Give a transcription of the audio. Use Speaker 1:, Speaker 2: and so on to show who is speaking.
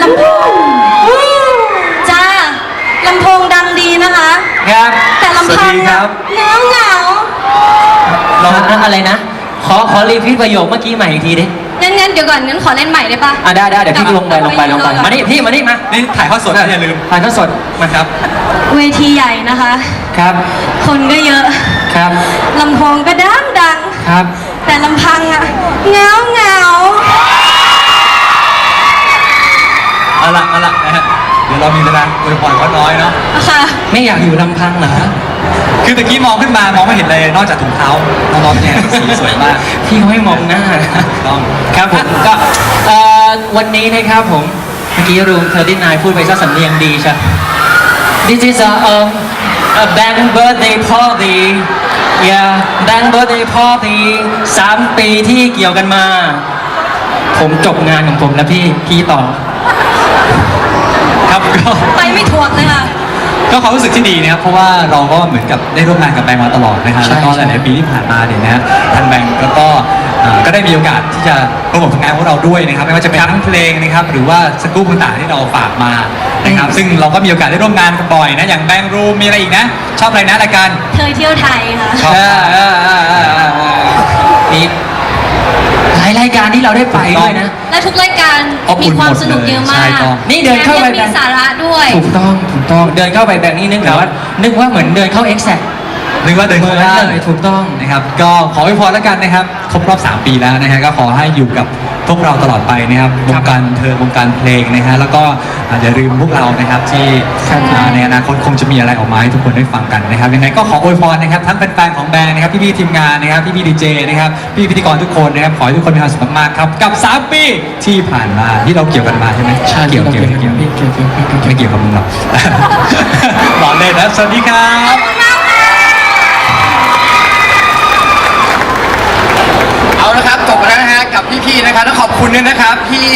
Speaker 1: ลำโพงจ้าลำโพงดังดีนะคะ
Speaker 2: ครับ
Speaker 1: แต่ลำพังเหงา
Speaker 2: เราอะไรนะขอรีพีทประโยคเมื่อกี้ใหม่อีกทีดิ
Speaker 1: งั้นเดี๋ยวก่อนงั้นขอเล่นใหม่ได้ปะ
Speaker 2: ได้เดี๋ยวพี่ลงไปมานี่พี่มานี่มา
Speaker 3: นี่ถ่ายทอดสดอย่าลืม
Speaker 2: ถ่ายทอดสดมาครับ
Speaker 1: เวทีใหญ่นะคะ
Speaker 2: ครับ
Speaker 1: คนก็เยอะ
Speaker 2: ครับ
Speaker 1: ลำโพงก็ดัง
Speaker 2: ครับ
Speaker 1: แต่ลำพังอะเหงา
Speaker 3: เอาละนะฮะเดี๋ยวเรามีเวลาอวยพรเขาน้อยเนาะ
Speaker 1: ค่ะ
Speaker 2: ไม่อยากอยู่ลำพังเหรอ
Speaker 3: คือตะกี้มองขึ้นมามองไม่เห็นเลยนอกจากถุงเท้าน้องๆเนี่ยสีสวยมาก
Speaker 2: พี่เขาให้มองหน้า
Speaker 3: ต้อง
Speaker 2: ครับผมก็วันนี้นะครับผมเมื่อกี้รูม39พูดไปซะสำเนียงดีใช่ This is a bank birthday party yeah bank birthday party 3 ปีที่เกี่ยวกันมาผมจบงานของผมแล้วพี่ต่อ
Speaker 3: ครับก็
Speaker 1: ไปไม่ถูกเลยค่ะ
Speaker 3: ก็ความรู้สึกที่ดีนะครับเพราะว่าเราก็เหมือนกับได้ร่วมงานกับแบงค์มาตลอดนะฮะแล้วก็หลายๆปีที่ผ่านมาเนี่ยนะทางแบงค์แล้วก็ได้มีโอกาสที่จะโปรโมทผลงานของเราด้วยนะครับไม่ว่าจะเป็นทั้งเพลงนะครับหรือว่าสกู๊ปต่างๆที่เราฝากมานะครับซึ่งเราก็มีโอกาสได้ร่วมงานกันบ่อยนะอย่างแบงค์รูมมีอะไรอีกนะชอบอะไรนะรายการ
Speaker 1: เธอเที่ยวไทยค่ะ
Speaker 3: ชอบ
Speaker 2: มีหลายรายการที่เราได้ไปด้วยนะ
Speaker 1: และทุกรายการมีความสนุกเยอะมาก
Speaker 2: นี่เดินเข้าไป
Speaker 1: มีสาระด้วย
Speaker 2: ถูกต้องเดินเข้าไปแบบนี้นึกว่าเหมือนเดินเข้า Exact
Speaker 3: นึกว่าเดินเข้าได้
Speaker 2: ถูกต้อง
Speaker 3: นะครับก็ขออวยพรแล้วกันนะครับครบรอบ3 ปีแล้วนะฮะก็ขอให้อยู่กับพวกเราตลอดไปนะครับวงการเธอวงการเพลงนะฮะแล้วก็อย่าลืมพวกเรานะครับที่ในอนาคตคงจะมีอะไรออกมาให้ทุกคนได้ฟังกันนะครับยังไงก็ขออวยพรนะครับทั้งแฟนๆของแบงค์นะครับพี่ๆทีมงานนะครับพี่ๆดีเจนะครับพี่พิธีกรทุกคนนะครับขอให้ทุกคนมีความสุขมากๆครับกับ3 ปีที่ผ่านมาที่เราเกี่ยวกันมาใช่ไหมเกี่ยวไม่เกี่ยวกับมึงหรอกหล่อเลยนะสวัสดีครับเอาละครับจบแล้วนะฮะกับพี่ๆนะครับต้องขอบคุณด้วยนะครับพี่